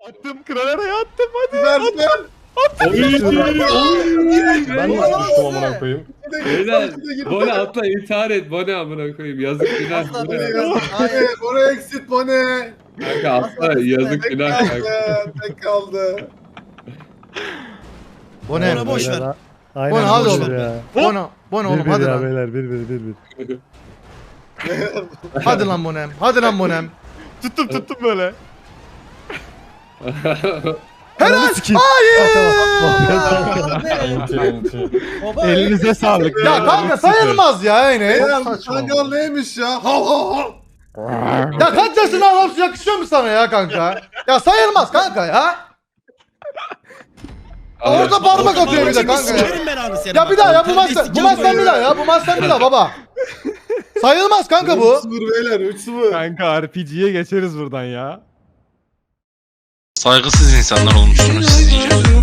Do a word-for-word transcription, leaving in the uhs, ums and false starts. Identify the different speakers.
Speaker 1: Attım kralere attım hadi.
Speaker 2: Versen.
Speaker 3: Ben nasıl düştüm amına koyayım?
Speaker 4: Beyler Bone atla intihar et Bone amına koyayım yazık günah.
Speaker 5: Asla
Speaker 4: Bone.
Speaker 5: böyle-
Speaker 2: Bone, Bone exit Bone.
Speaker 4: Kanka atla yazık
Speaker 2: Tek
Speaker 4: günah kanka.
Speaker 2: kaldı, tek kaldı.
Speaker 5: Bone
Speaker 6: Ona boş ver.
Speaker 3: Aynen.
Speaker 5: Bone hadi
Speaker 3: boş
Speaker 5: oğlum.
Speaker 3: ver ya.
Speaker 5: Bone, Bone oğlum
Speaker 3: Bir bir
Speaker 5: hadi
Speaker 3: ya
Speaker 5: lan.
Speaker 3: beyler bir bir bir bir.
Speaker 5: Hadi lan Bonem. Hadi lan Bonem.
Speaker 1: Tuttum tuttum böyle.
Speaker 3: Helal.
Speaker 6: Baba,
Speaker 1: Elinize sağlık.
Speaker 5: Ya kanka sayılmaz ya yine.
Speaker 2: Beyler bu kangal neymiş ya? Hav hav hav.
Speaker 5: Ya kaç yaşında adamsın yakışıyor mu sana ya kanka? Ya sayılmaz kanka ya. Orada parmak atıyor bir de kanka ya.
Speaker 6: Sikerim ben abi seni.
Speaker 5: Ya bir daha ya bu maçtan bu maçtan bir daha ya bu maçtan bir daha baba. Sayılmaz kanka bu.
Speaker 2: üç sıfır beyler üç sıfır.
Speaker 1: Kanka R P G'ye geçeriz buradan ya.
Speaker 7: Saygısız insanlar olmuşsunuz siz iyice.